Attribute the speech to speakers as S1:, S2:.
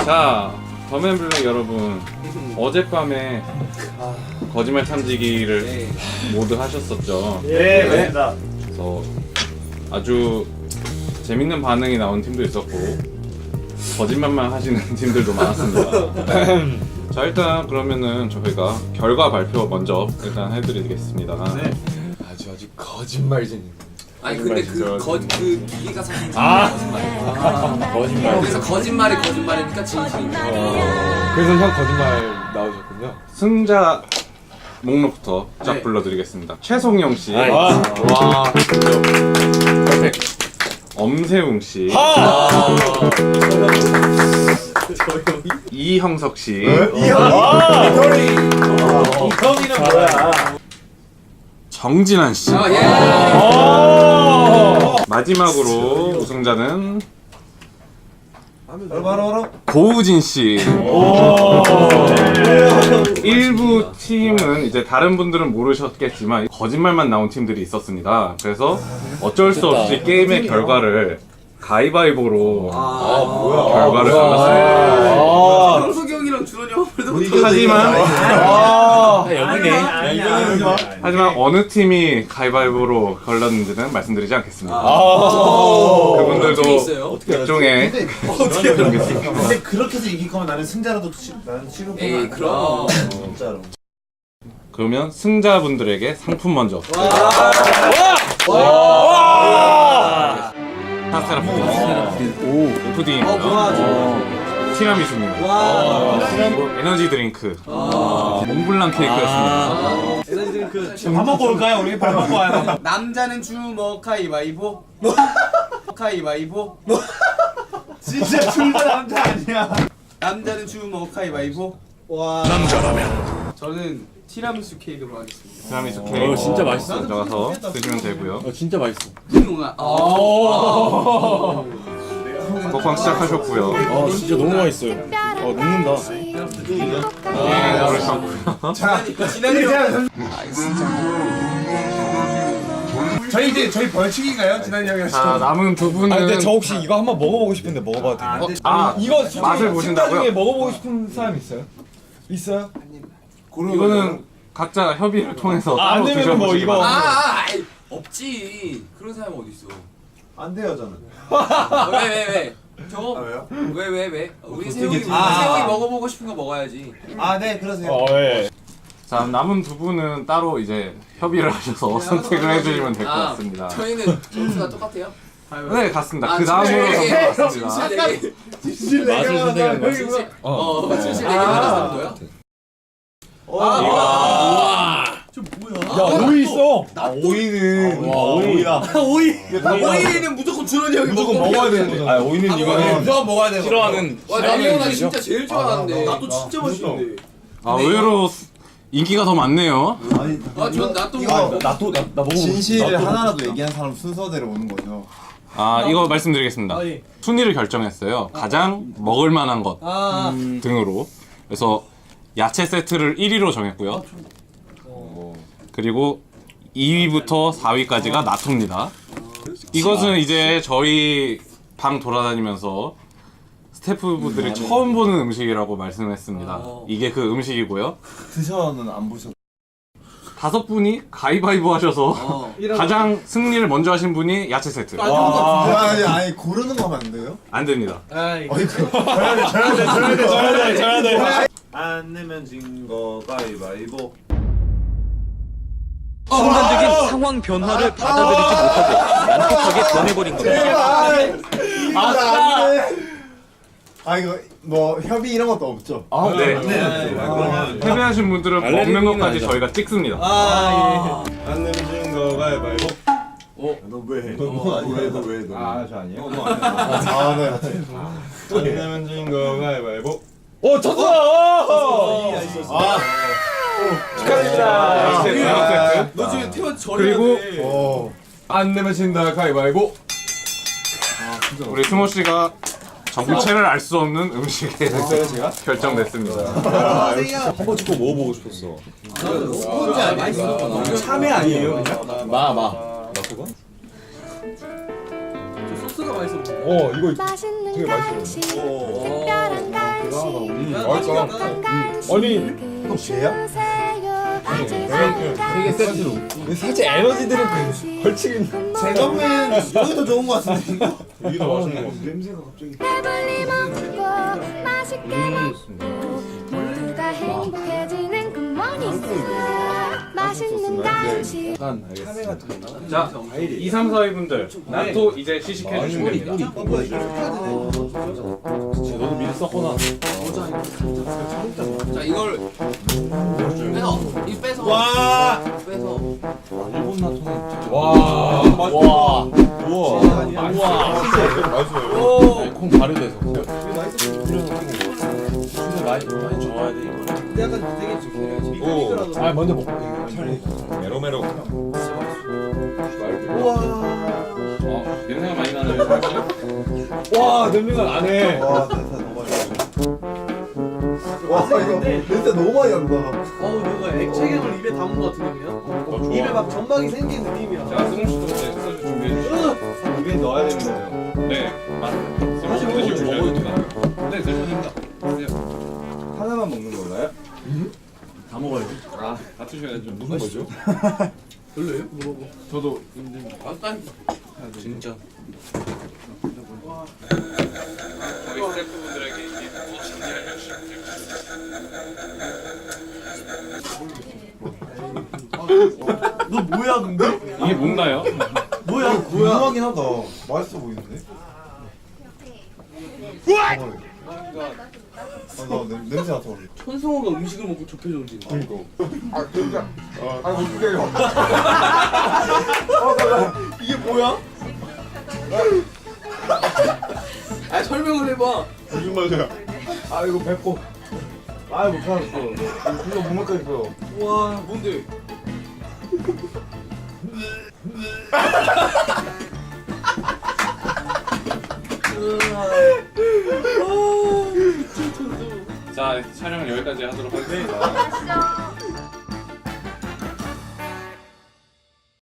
S1: 자, 더맨블랙 여러분, 어젯밤에 거짓말 탐지기를 모두 하셨었죠.
S2: 네, 맞습니다.
S1: 그래서 아주 재밌는 반응이 나온 팀도 있었고 거짓말만 하시는 팀들도 많았습니다. 자, 일단 그러면은 저희가 결과 발표 먼저 일단 해드리겠습니다.
S3: 네. 아주 거짓말쟁이.
S4: 아니 근데 그 기계가 사실
S3: 거짓말.
S4: 그래서 거짓말이니까 진실입니다.
S3: 그래서 형 거짓말 나오셨군요.
S1: 승자 목록부터 쫙 불러드리겠습니다. 최송영 씨,
S3: 와.
S1: 엄세웅 씨, 이형석 씨,
S2: 이형이는 뭐야?
S1: 정진환 씨. 마지막으로 우승자는
S2: 바로
S1: 고우진 씨. 일부 팀은 이제 다른 분들은 모르셨겠지만 거짓말만 나온 팀들이 있었습니다. 그래서 어쩔 수 없이 게임의 결과를 가위바위보로 결과를 잡았습니다.
S4: 형석이 형이랑 준원이 형도
S1: 하지만 어느 팀이 가위바위보로 걸렸는지는 말씀드리지 않겠습니다. 그분들도 일종의
S2: 근데 그렇게 해서 이길 거면 나는 승자라도 나는 취급.
S4: 에이 그럼
S2: 진짜로.
S1: 그러면 승자분들에게 상품 먼저. 파스타라 푸딩이고요. 티라미수입니다. 에너지 드링크. 몽블랑 케이크였습니다.
S2: 밥 먹고 올까요? 우리 밥 먹고 와요.
S4: 남자는 주먹 가위바위보 가위바위보
S2: 진짜 둘다 남자 아니야.
S4: 남자는 주먹 가위바위보.
S2: 남자라면.
S4: 저는 티라미수 케이크로 하겠습니다.
S1: 티라미수 케이크.
S3: 진짜 맛있어.
S1: 가져가서 드시면 되고요.
S3: 진짜 맛있어.
S1: 먹방 시작하셨고요.
S3: 진짜 너무 맛있어요. 녹는다.
S1: 그러셨고요.
S2: 저희 이제 저희 벌칙인가요? 지난 형이랑.
S1: 자, 남은 두 분은
S5: 근데 저 혹시 이거 한번 먹어보고 싶은데 먹어봐도 돼요? 이거
S1: 맛을 보신다고요?
S5: 중에 먹어보고 싶은 사람 있어요? 있어요?
S1: 이거는 각자 협의를 통해서
S5: 안
S1: 따로
S5: 되면 뭐
S1: 드셔보시기
S5: 이거-
S1: 바랍니다.
S4: 없지. 그런 사람 어디 있어?
S2: 안 돼요 저는.
S4: 왜? 저거
S2: 왜요?
S4: 왜? 우리 세용이 먹어보고 싶은 거 먹어야지.
S2: 아 네 그러세요.
S5: 예.
S1: 자, 남은 두 분은 따로 이제 협의를 하셔서 선택을 해주시면 될 것 같습니다.
S4: 저희는 점수가 똑같아요?
S1: 네, 같습니다. 그 다음으로 넘어갔습니다.
S4: 진실
S3: 맛을 선택하는 거야.
S4: 진실 내기 하나 정도요?
S5: 야 오이 있어!
S2: 오이는 오이다.
S4: 오이는 무조건 준원이 형이
S2: 무조건 먹어야 되는 거잖아.
S5: 오이는 이거는
S4: 무조건 먹어야 돼.
S3: 싫어하는
S4: 와 남이 나 진짜 제일 좋아하는데. 나도 진짜 맛있는데.
S1: 아, 의외로 인기가 더 많네요.
S4: 전 나또
S5: 나 먹어보고
S6: 진실을 하나라도 얘기한 사람 순서대로 오는 거죠.
S1: 아, 이거 말씀드리겠습니다. 순위를 결정했어요. 가장 먹을 만한 것 등으로. 그래서 야채 세트를 1위로 정했고요. 그리고 2위부터 4위까지가 나토입니다. 이것은 이제 저희 방 돌아다니면서 스태프분들이 처음 보는 음식이라고 말씀했습니다. 이게 그 음식이고요.
S6: 드셔는 안 보셨.
S1: 5분이 가위바위보 하셔서 가장 승리를 먼저 하신 분이 야채 세트.
S6: 아니 고르는 거 하면 안 돼요?
S1: 안 됩니다.
S5: 져야 돼.
S2: 안 내면 진 거 가위바위보.
S7: 순간적인 상황 변화를 받아들이지 못하고 난폭하게 변해버린 겁니다.
S6: 이거 뭐 협의 이런 것도 없죠?
S1: 네. 패배하신 분들은 먹는 것까지
S3: 아니죠.
S1: 저희가 찍습니다.
S2: 안 내면 진 거 가위바위보.
S6: 너왜 너?
S2: 저 아니에요?
S6: 네.
S2: 안 내면 진 거 가위바위보.
S5: 졌어!
S1: 축하드립니다. 세트.
S4: 너 지금 태원 저리.
S1: 그리고
S3: 안 내면 진다 가위바위보.
S1: 우리 승호 씨가 정체를 알 수 없는 음식에 결정됐습니다.
S5: 한번 꼭 먹어보고 싶었어.
S2: 참외 아니에요 그냥?
S3: 마.
S4: 소스 소스가 맛있어 보여.
S3: 이거
S8: 맛있는
S3: 되게 맛있어요.
S8: 간식, 특별한 간식,
S3: 맛있다.
S8: 행복한 간식
S3: 아니,
S6: 이거 쟤야?
S3: 되게 세지로. 살짝 에너지 드링크 걸치긴.
S2: 제가면 여기 더 좋은 거 같은데 이거?
S6: 이게 더 맛있는 거 같아.
S2: 냄새가 갑자기.
S8: 배불리 먹고 맛있게 먹고 모두가 행복해지는 굿모닝 맛있는 간식
S1: 자, 2, 3, 4위 분들 나토 이제 시식해 주시면 됩니다.
S3: 너도 미리 썼구나.
S4: 자 이걸 빼서 이 빼서
S2: 와.
S4: 빼서
S5: 일본 나토는
S3: 와.
S5: 우와.
S3: 맛있어요. 콩 발효돼서.
S5: 진짜 많이 좋아야 돼 이거.
S4: 근데 약간 되게 좀
S3: 오. 아 먼저 먹고. 메로메로.
S1: 냄새가 많이 나는
S3: 와 냄새가 나네.
S6: 와, 냄새 너무 많이 나. 와, 이거 냄새 너무 많이 난다.
S4: 누가 액체경을 입에 담은 것 같은데 그냥? 입에 막 점막이 생긴 느낌이야.
S1: 자, 승우 씨도 이제 소주 준비해 주시죠.
S6: 입에 넣어야 되는 거예요.
S1: 네, 맞습니다. 승우 씨 드시고 주셔야 됩니다. 네, 드십니다. 드세요.
S6: 하나만 먹는 건가요?
S1: 다 드셔야죠.
S3: 무슨 거죠?
S4: 별로예요? 먹어봐.
S3: 저도
S4: 맛있다니까.
S3: 진짜.
S1: 저희 스태프분들에게 이게 무엇인지 알려주시면 됩니다.
S2: 너 뭐야 근데?
S1: 이게 뭔가요?
S2: 뭐야?
S6: 궁금하긴 하다. 맛있어 보이는데? 나 냄새 나서 그래.
S4: 천성호가 음식을 먹고 좁혀졌지.
S3: 그니까.
S6: 이게 뭐야?
S4: 아 설명을 해봐.
S6: 무슨 맛이야?
S3: 아 이거 뱉고. 아 못 참았어. 이거 못 먹겠어.
S4: 와 뭔데?
S1: 자, 촬영을 여기까지 하도록 하겠습니다.